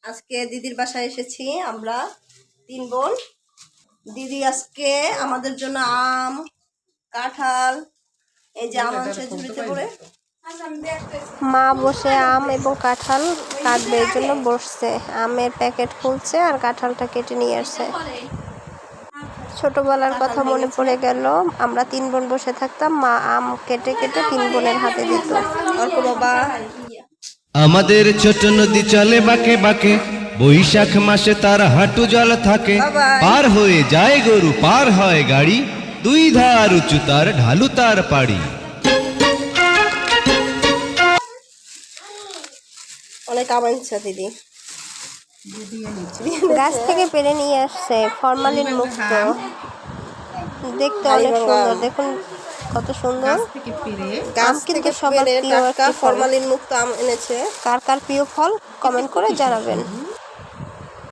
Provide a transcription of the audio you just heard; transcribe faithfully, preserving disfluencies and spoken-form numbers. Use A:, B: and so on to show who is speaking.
A: আজকে দিদির বাসায় এসেছি আমরা তিন বোন। দিদি আজকে আমাদের জন্য আম, কাঁঠাল, এই যে আম আনছে ঝুড়িতে করে।
B: মা বসে আম এবং কাঁঠাল কাটবে এর জন্য বসছে। আমের প্যাকেট খুলছে আর কাঁঠালটা কেটে নিয়ে আসছে। ছোটবেলার কথা মনে পড়ে গেল, আমরা তিন বোন বসে থাকতাম, মা আম কেটে কেটে তিন বোনের হাতে দিত।
A: অর্ক বাবা,
C: আমাদের ছোট নদী চলে বাঁকে বাঁকে, বৈশাখ মাসে তার হাঁটু জল থাকে। পার হয়ে যায় গরু, পার হয় গাড়ি, দুই ধার উঁচু তার, ঢালু তার পাড়ি।
A: অনেক আম আনছে দিদি,
B: গাছ থেকে পেরে নিয়ে আসছে, ফরমালিন মুক্ত, দেখতে অনেক সুন্দর। দেখুন কত সুন্দর আম, কিন্তু সবার প্রিয় একটি ফল।
A: ফরমালিন মুক্ত আম এনেছে।
B: কার কার প্রিয় ফল কমেন্ট করে জানাবেন।